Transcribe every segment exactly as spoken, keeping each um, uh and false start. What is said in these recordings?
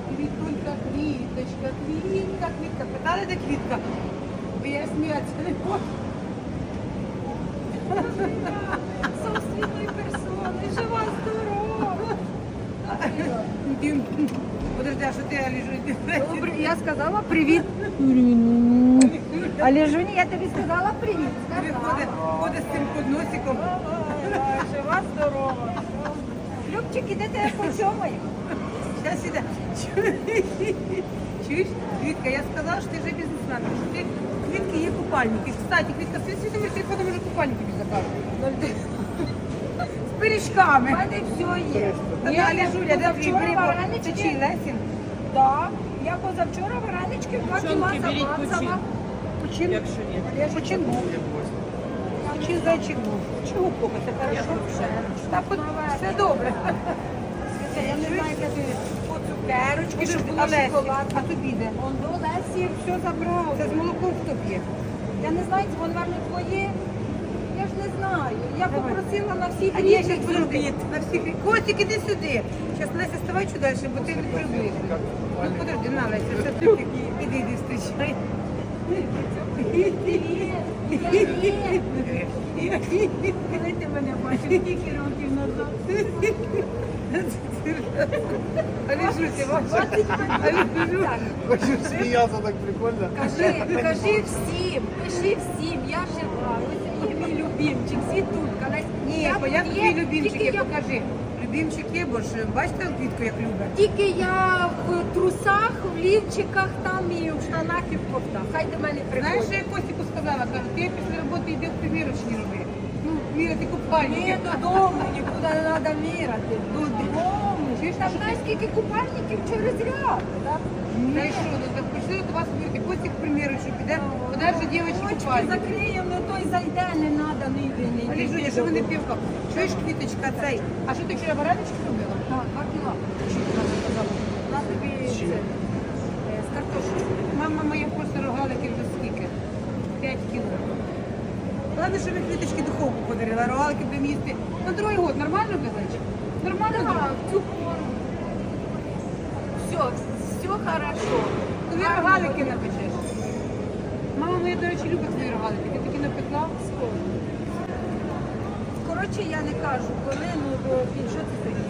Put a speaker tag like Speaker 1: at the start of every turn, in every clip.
Speaker 1: Квітулька, квіточка, квітка, квітка. Питали, де квітка? Бо я сміятися не можу.
Speaker 2: Собственної персони, жива, здорова.
Speaker 1: Подожди, а що ти, Аліжу?
Speaker 2: Добре, я сказала привіт. Але Жуні, я тобі сказала привіт.
Speaker 1: Ходить, ходить з цим подносиком.
Speaker 2: Жива, здорова. Любчик, іде тебе почомаю.
Speaker 1: Зараз іде. Чуєш, Квітка, я сказала, що ти вже бізнесмен, що ти квітки є купальники. Кстати, Квітка, світ світовий телефон може купальники тобі заказувати. З пиріжками.
Speaker 2: У мене все є.
Speaker 1: Та
Speaker 2: Я
Speaker 1: далі, Жуля, де твій
Speaker 2: позавчора
Speaker 1: прибор? Це
Speaker 2: варенички.
Speaker 1: чий, Лесін?
Speaker 2: Так. Я позавчора варенички два кіла замацала.
Speaker 1: Почин?
Speaker 3: Якщо ні.
Speaker 1: Почин був. Почин зайчик був. Чого купи? Це хорошо? Так, от все добре.
Speaker 2: Я не знаю, як ти по цукерочки, щоб було
Speaker 1: А Лесі,
Speaker 2: шоколад.
Speaker 1: а тобі де?
Speaker 2: Он до Лесі все забрав.
Speaker 1: Це з молоком хто п'є?
Speaker 2: Я не знаю, це воно, мабуть, твоє. Я ж не знаю. Я
Speaker 1: Давай.
Speaker 2: попросила на всіх
Speaker 1: А ні, я
Speaker 2: рівних
Speaker 1: зараз буду
Speaker 2: зробити.
Speaker 1: на всіх. Костик, іди сюди. Зараз, Леся, ставай чуть далі, бо ти не приблизиш. Ну, подожди, на, Леся, все таки. Іди, іди, зустрічай.
Speaker 2: Коли ти мене бачив, скільки років назад?
Speaker 1: Аліжуся, ваша. Аліжу.
Speaker 4: Хочу смеяться, так прикольно.
Speaker 2: Кажи, кажи всім, пиши всім, я жива, ось є мій любимчик, світулька. Лесь,
Speaker 1: Ні,
Speaker 2: я
Speaker 1: бо як
Speaker 2: тут
Speaker 1: твій
Speaker 2: є,
Speaker 1: любимчик,
Speaker 2: тільки
Speaker 1: я
Speaker 2: я-
Speaker 1: покажи. Любимчик є, бо ж бачите квітку, як любить?
Speaker 2: Тільки я в трусах, в лівчиках там і в штанах і в кофтах. Хай до мене
Speaker 1: Знаєш, що
Speaker 2: приходять.
Speaker 1: я Костіку сказала? Кажу, ти після роботи йди в примірочні роби. Ну, міряти
Speaker 2: Ні,
Speaker 1: купальники.
Speaker 2: додому, нікуди не треба міряти. Додому.
Speaker 1: Чуєш,
Speaker 2: Там
Speaker 1: що
Speaker 2: знаєш, скільки купальників через ряд. Так?
Speaker 1: Та й що, ну так прийшли до вас міряти. Костік примірочну піде, подальше дівчатки
Speaker 2: Очки
Speaker 1: купальники.
Speaker 2: закриємо, не той зайде, не треба ніде, не йди.
Speaker 1: Аліжуня, що ви не півка? Чуєш, квіточка, цей? А що ти вчора варенички робила?
Speaker 2: Так, два кіла.
Speaker 1: Що ти нам сказала?
Speaker 2: На тобі це, е, з картошкою.
Speaker 1: Мама моя просто рогалики вже скільки? П'ять кіло. Ладно, що ви квіточки духовку подарила, рогалики будемо їсти. На другий год нормально казати? Нормально?
Speaker 2: Так,
Speaker 1: так?
Speaker 2: цю пору. Все, все хорошо.
Speaker 1: Тобі рогалики напечеш. Мама моя, до речі, любить твої рогалики. Ти такі напекла?
Speaker 2: Скоро. Коротше, я не кажу, коли, ну, бо він що це таке?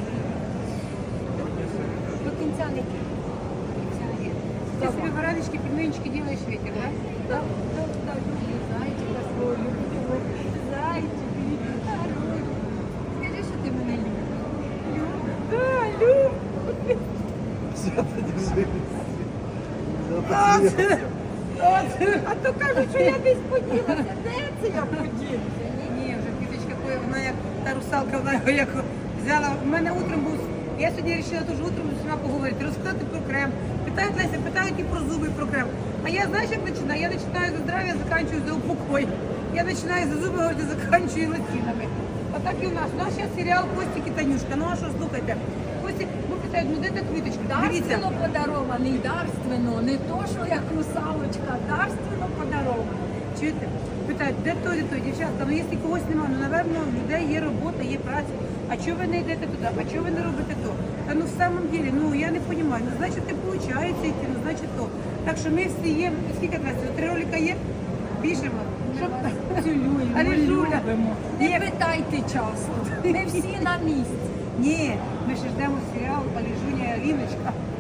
Speaker 2: До кінця не кінь.
Speaker 1: Ти собі варенички, пельменчики робиш ветер, так?
Speaker 2: Да, да, да, люблю, зайчика свого, люблю, зайчик, хороший. Скажи, що ти мене любиш.
Speaker 1: Так, люб.
Speaker 4: Свято, держи.
Speaker 1: А,
Speaker 4: Свято,
Speaker 1: це- а, це-
Speaker 2: А то кажуть, що я десь поділася. Де це я поділася?
Speaker 1: Ні, ні, вже квіточка, коли вона як та русалка, вона його як взяла. У мене утром був, я сьогодні вирішила дуже утром з усіма поговорити, розказати про крем. Питають Леся, питають і про зуби, і про крем. А я, знаєш, як починаю? Я починаю за здрав'я, заканчую за упокой. Я починаю за зуби, говорити, заканчую лосінами. Отак і у нас. У нас зараз серіал Костік і Танюшка. Ну а що, слухайте, Костік, ну питають, ну де та квіточка? Дивіться.
Speaker 2: Дарственно подарований, дарственно. Не то, що як русалочка, дарственно подарований.
Speaker 1: Чуєте? Питають, де той, де той, дівчатка, ну якщо когось немає, ну, напевно, в людей є робота, є праця. А чого ви не йдете туди? А чого ви не робите то? Та ну в самом деле, ну я не розумію, ну значить не виходить йти, ну значить то. Так що ми всі є, скільки нас, три ролика є? Біжимо. Щоб...
Speaker 2: Цілуємо,
Speaker 1: Але Жуля,
Speaker 2: любимо. Не
Speaker 1: Ні.
Speaker 2: питайте часу. Ми всі на місці.
Speaker 1: Ні, ми ще ждемо серіал Аліжуня і Аліночка.